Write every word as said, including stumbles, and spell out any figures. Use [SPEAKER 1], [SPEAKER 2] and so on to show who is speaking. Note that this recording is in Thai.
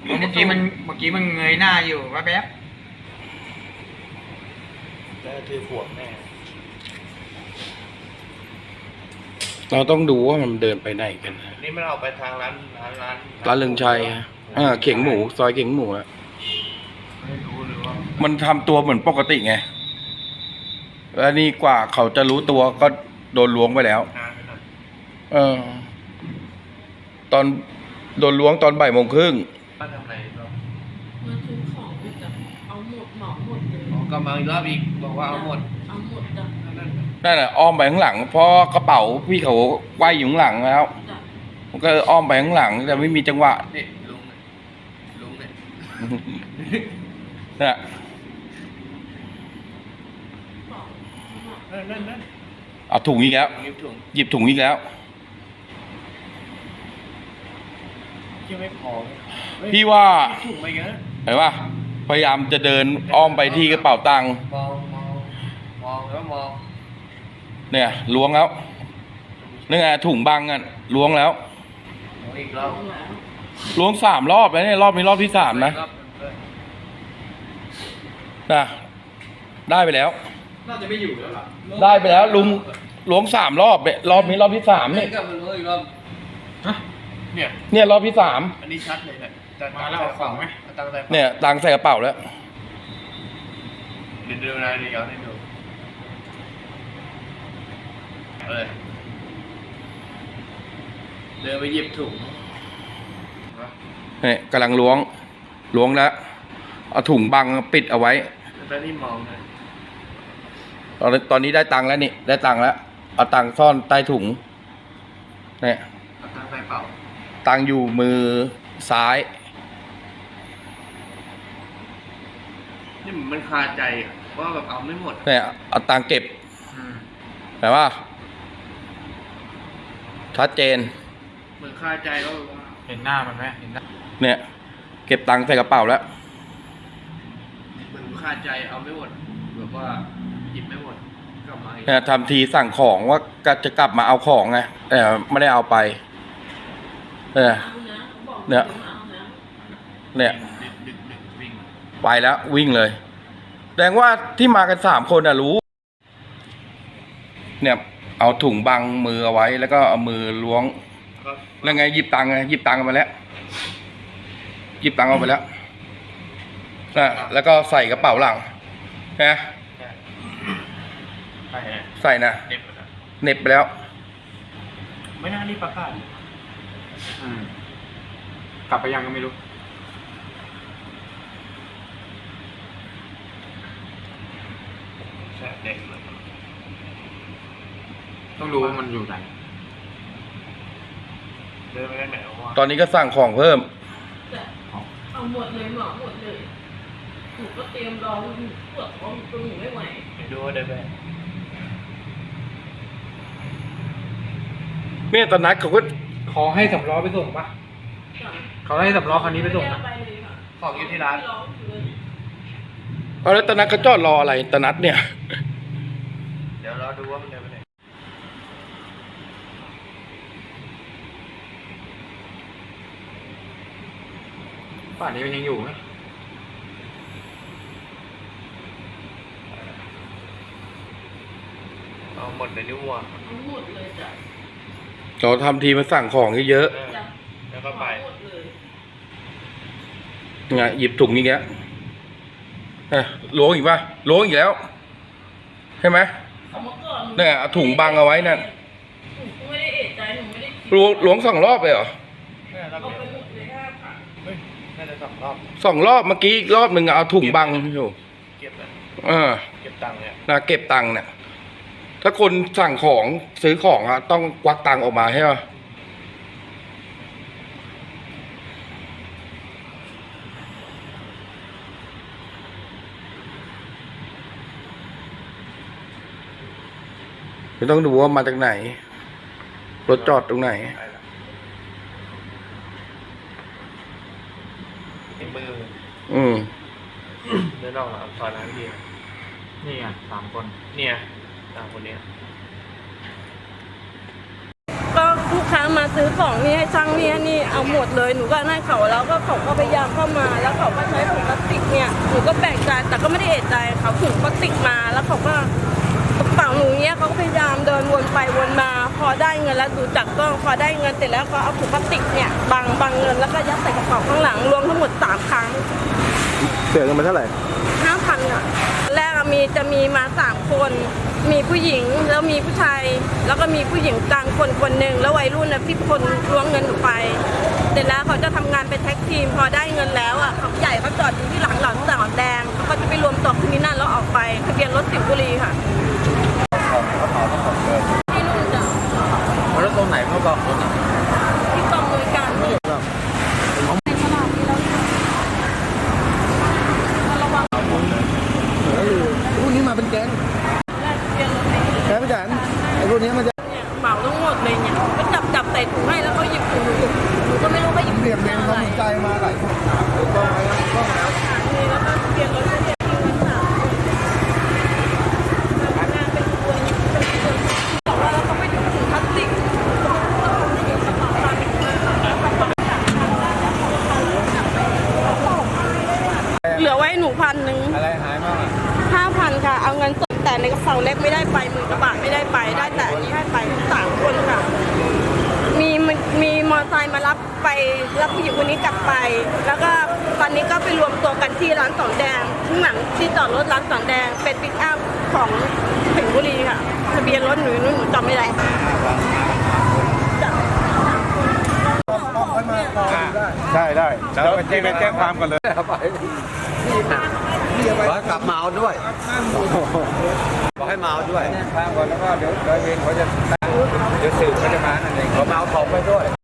[SPEAKER 1] เมื่อกี้มันเมื่อกี้มันเงยหน้าอยู่ว่าแป๊บ
[SPEAKER 2] แล้วถือขวดแม่
[SPEAKER 3] เราต้องดูว่ามันเดินไปไหนกัน
[SPEAKER 2] นี่มันออกไปทางร้านร้านร้าน
[SPEAKER 3] ร้านเรืองชัยอ่าเข่งหมูซอยเข่งหมูอะ
[SPEAKER 2] ไม่รู้หรือว่า
[SPEAKER 3] มันทำตัวเหมือนปกติไงแล้วนี่กว่าเขาจะรู้ตัวก็โดนล้วงไปแล้ว
[SPEAKER 2] นานไปหน่อย
[SPEAKER 3] เออ ตอนโดนล้วงตอนบ่ายโมงครึ่ง
[SPEAKER 2] ป้าทำอะไรรอบ
[SPEAKER 4] มาซื้อของไปจ้ะเอาหมดเหมาหมดเลย
[SPEAKER 2] อ๋อกลับมาอีกรอบอีกบอกว่าเอาหมด
[SPEAKER 4] เอาหมดจ้ะ
[SPEAKER 2] นั่น
[SPEAKER 3] นั่นแหละอ้อมไปข้างหลังเพราะกระเป๋าพี่เขาไว้อยู่ข้างหลังแล้ว
[SPEAKER 4] จ้ะ
[SPEAKER 3] มันก็อ้อมไปข้างหลังแต่ไม่มีจังหวะ
[SPEAKER 2] นี่ลุงเนี่ยลุงเนี่ย
[SPEAKER 3] เนี่ย
[SPEAKER 4] บอก
[SPEAKER 2] นั่นนั่นนั่น
[SPEAKER 3] เอาถุงอีกแล้ว
[SPEAKER 2] นิ้วถุง
[SPEAKER 3] หยิบถุงอีกแล้ว
[SPEAKER 2] ยังไม่พอเฮ้ย
[SPEAKER 3] พี่ว่า
[SPEAKER 2] ถุงมาเยอะ
[SPEAKER 3] เห็นป่ะพยายามจะเดินอ้อมไปที่กระเป๋าตังค์
[SPEAKER 2] มองมองมองแล้วมอง
[SPEAKER 3] เนี่ยล้วงแล้วนี่ไงถุงบังอ่ะล้วงแล้ว
[SPEAKER 2] มองอีกรอบ
[SPEAKER 4] เอาแล้ว
[SPEAKER 3] ล้วงสามรอบแล้วเนี่ยรอบนี้รอบที่สามนะ
[SPEAKER 2] รอบหนึ่งด้วย
[SPEAKER 3] นะได้ไปแล้ว
[SPEAKER 1] น่าจะไม่อยู่แล้วล่ะ
[SPEAKER 3] ได้ไปแล้วลุงล้วงสามรอบเนี่ยรอบนี้รอบที่สาม
[SPEAKER 2] นี่
[SPEAKER 3] นี่
[SPEAKER 2] กลับมาล้วงอีกรอบ
[SPEAKER 1] ฮะ
[SPEAKER 2] เนี่ย
[SPEAKER 3] เนี่ยรอบที่สาม
[SPEAKER 2] อันนี้ชัดเลยเนี่ยแต่
[SPEAKER 1] มาแล้วเอาของไหม
[SPEAKER 2] เอาตังค์ใส่กระเป๋า
[SPEAKER 3] เนี่ยตังค์ใส่กระเป๋าแล้ว
[SPEAKER 2] เดี๋ยวดูนะเดี๋ยวให้ดูเออเดินไปหยิบถุง
[SPEAKER 3] เนี่ยกำลังล้วงล้วงแล้วเอาถุงบังปิดเอาไว้
[SPEAKER 2] แล้วนี่มองเลย
[SPEAKER 3] ตอนตอนนี้ได้ตังค์แล้วนี่ได้ตังค์แล้วเอาตังค์ซ่อนใต้ถุงเนี่ย
[SPEAKER 2] เอาตังค์ใส่เป๋า
[SPEAKER 3] ตังค์อยู่มือซ้าย
[SPEAKER 2] นี่เหมือนมันคาใจอ่ะว่าแบบเอาไม่หมด
[SPEAKER 3] เนี่ยเอาตังค์เก็บ
[SPEAKER 1] อืม
[SPEAKER 3] แต่ว่าชัดเจน
[SPEAKER 2] เหมือนคาใจว่าแบบว่า
[SPEAKER 1] เห็นหน้ามันไหมเห็นหน้า
[SPEAKER 3] เนี่ย เก็บตังค์ใส่กระเป๋าแล้ว
[SPEAKER 2] เหมือนคาใจเอาไม่หมดแบบว่าหยิบไม่หมดกลับมาอีก
[SPEAKER 3] เนี่ยทำทีสั่งของว่าก็จะกลับมาเอาของไงแต่ไม่ได้เอาไปเออ
[SPEAKER 4] เอานะบอก
[SPEAKER 3] เนี่ย
[SPEAKER 4] เอานะ
[SPEAKER 3] เนี่ย
[SPEAKER 2] ดึกดึกดึกวิ่ง
[SPEAKER 3] ไปแล้ววิ่งเลยแสดงว่าที่มากันสามคนน่ะรู้ เนี่ยเอาถุงบังมือเอาไว้ แล้วก็เอามือล้วง
[SPEAKER 2] ก็
[SPEAKER 3] แล้วไงหยิบตังค์ไงหยิบตังค์เอาไปแล้วหยิบตังค์เอาไปแล้วนะแล้วก็ใส่กระเป๋าหลังนะ
[SPEAKER 2] ใช่ฮะ
[SPEAKER 3] ใส่นะ
[SPEAKER 2] เด็บนะ
[SPEAKER 3] เหน็บไปแล้ว
[SPEAKER 2] ไม่น่ารีบประกาศ
[SPEAKER 1] อืมกลับไปยังก็ไม่รู้
[SPEAKER 2] ใช่เด็กเลย
[SPEAKER 1] ต้องรู้ว่ามันอยู่ไหน
[SPEAKER 2] เดินไปได้ไหนวะ
[SPEAKER 3] ตอนนี้ก็สั่งของเพิ่ม
[SPEAKER 4] จ้ะเอาหมดเลยเหมาหมดเลยหนูก็เตรียมรองปวดท้องตัวหนูไม่ไหว
[SPEAKER 2] ไปดูว่าเดินไป
[SPEAKER 3] เนี่ยตอนนั้นเขาก็
[SPEAKER 1] ขอให้สำล้อไปส่งปะ
[SPEAKER 4] จ้ะ
[SPEAKER 1] เขาให้สำล้อคันนี้ไปส่ง
[SPEAKER 4] ม่
[SPEAKER 1] นะ
[SPEAKER 4] ด้ไปเลยค่ะ
[SPEAKER 2] ของอยู่ที่ร้าน
[SPEAKER 4] ไม่ร้องอยู่เลย
[SPEAKER 3] เอาแล้วตอนนั้นเขาจอดรออะไรตอนนัดเนี่ย
[SPEAKER 2] เดี๋ยวเราดูว่ามันเดินไปไหน
[SPEAKER 1] ป่านนี้มันยังอยู่ไหม
[SPEAKER 2] เอาหมดเลยนี่วัว
[SPEAKER 4] เอาหมดเลยจ้ะ
[SPEAKER 3] เราทำทีมาสั่งของเยอะ
[SPEAKER 4] จ้ะ
[SPEAKER 2] แล้วก็ไป
[SPEAKER 4] เอาหมดเลย
[SPEAKER 3] ๆไงหยิบถุงอย่างเงี้ยเอ้ยล้วงอีกป่ะล้วงอีกแล้วใช่ไหม
[SPEAKER 4] เอามาก่อนห
[SPEAKER 3] เนี่ยเอาถุงบังเอาไว้นั่น
[SPEAKER 4] หนูก็ไม่ได้เอะใจหนูไม่ได้คิด
[SPEAKER 3] ล้วงล้วงสองรอบเลยเหรอ
[SPEAKER 2] เนี่ยเรา
[SPEAKER 4] เอา
[SPEAKER 2] เก็บ
[SPEAKER 4] ไปหมดเลยห้าพัน
[SPEAKER 2] เฮ้ยน่าจะสองรอบ
[SPEAKER 3] สองรอบเมื่อกี้อีกรอบหนึ่งเอาถุงบังอยู่
[SPEAKER 2] เก็บเลย
[SPEAKER 3] เออ
[SPEAKER 2] เก็บตังค์เนี่ย
[SPEAKER 3] นะเก็บตังค์เนี่ยถ้าคนสั่งของซื้อของอะต้องควักตังค์ออกมาใช่ป่ะไม่ต้องดูว่ามาจากไหน รถจอดตรงไหน
[SPEAKER 2] ไปละเห็นมือ
[SPEAKER 3] อืม
[SPEAKER 2] เดินออกมาซอยร้านเดียว
[SPEAKER 1] นี่ไงสามคน
[SPEAKER 2] เนี่ยตามคนเนี้ย
[SPEAKER 4] ก็ลูกค้ามาซื้อของนี่ให้ช่างนี่ให้นี่เอาหมดเลยหนูก็ให้เขาแล้วก็เขาก็พยายามเข้ามาแล้วเขาก็ใช้ถุงพลาสติกเนี่ยหนูก็แปลกใจแต่ก็ไม่ได้เอะใจเขาถุงพลาสติกมาแล้วเขาก็กระเป๋าหนูเนี้ยเขาก็พยายามเดินวนไปวนมาพอได้เงินแล้วดูจากกล้องพอได้เงินเสร็จแล้วก็เอาถุงพลาสติกเนี่ยบังบังเงินแล้วก็ยัดใส่กระเป๋าข้างหลังรวมทั้งหมดสามครั้ง
[SPEAKER 5] เสียเงินมาเท่าไหร่
[SPEAKER 4] ห้าพันอ่ะแรกอะมีจะมีมาสามคน มีผู้หญิงแล้วมีผู้ชาย แล้วก็มีผู้หญิงกลางคนคนหนึ่งแล้ววัยรุ่นนะที่คนล้วงเงินหนูไปเสร็จแล้วเขาจะทำงานเป็นแท็กทีมพอได้เงินแล้วอ่ะเขาใหญ่เขาจอดอยู่ที่หลังหลังสามแดงเขาก็จะไปรวมตัวที่นั่นแล้วออกไปทะเบียนรถสิงห์บุรีค่ะที่นู่นจ้ะ
[SPEAKER 1] แล้วตรงไหนเขาบอกรถอ่ะ
[SPEAKER 4] ที่กองบริการนี่ในตลาดนี้แล้วเนี่ยระวัง
[SPEAKER 5] พวกนี้มาเป็นแก๊ง
[SPEAKER 4] แลกทะเบียนรถให้
[SPEAKER 5] แก๊งไม่จันไอ้พวกนี้มันจะ
[SPEAKER 4] เนี่ยเหมาทั้งหมดเลยเนี่ยก็จับจับใส่ถุงให้แล้วเขาหยิบถุงหนูหนูก็ไม่รู้เขาหยิบ
[SPEAKER 5] เป
[SPEAKER 4] ถุ
[SPEAKER 5] ลี่ยน
[SPEAKER 4] ง
[SPEAKER 5] เมน
[SPEAKER 4] อะ
[SPEAKER 5] เขา
[SPEAKER 4] ไร
[SPEAKER 5] สนใจมาหลายคนต้องต้องแล้ว
[SPEAKER 4] นี่แล้วก็ทะเบียนรถทะเบียนที่มันสามงานเป็นตัวเป็นตัวบอกว่าแล้วเขาไม่ถึงถุงพลาสติกกระเป๋าตังค์เหลือไว้หนูพันหนึ่ง
[SPEAKER 1] อะไรหายบ้างอ่ะ
[SPEAKER 4] ห้าพันค่ะ เอาเงินสดแต่ในกระเป๋าเล็กไม่ได้ไปหมื่นกว่าบาทไม่ได้ไปได้แต่อันนี้ให้ไปสามคนค่ะ มีมีมอเตอร์ไซค์มารับไปรับผู้หญิงคนนี้กลับไป แล้วก็ตอนนี้ก็ไปรวมตัวกันที่ร้านสองแดงข้างหลังที่จอดรถร้านสองแดงเป็นปิกอัพของสิงห์บุรีค่ะทะเบียนรถหนูหนูจำไม่ได้จ้ะ
[SPEAKER 5] ใช่ได้
[SPEAKER 1] แล้วไปแจ้งไปแจ้งความกันเลยไป
[SPEAKER 2] ร้อยกลับมาเอาด้วยบอกให้มาเอาด้วย
[SPEAKER 1] แจ้งความก่อนแล้วก็เดี๋ยวเดี๋ยวเวรเขาจะเดี๋ยวสืบเขาจะมานั่นเองเขามาเอาของไปด้วย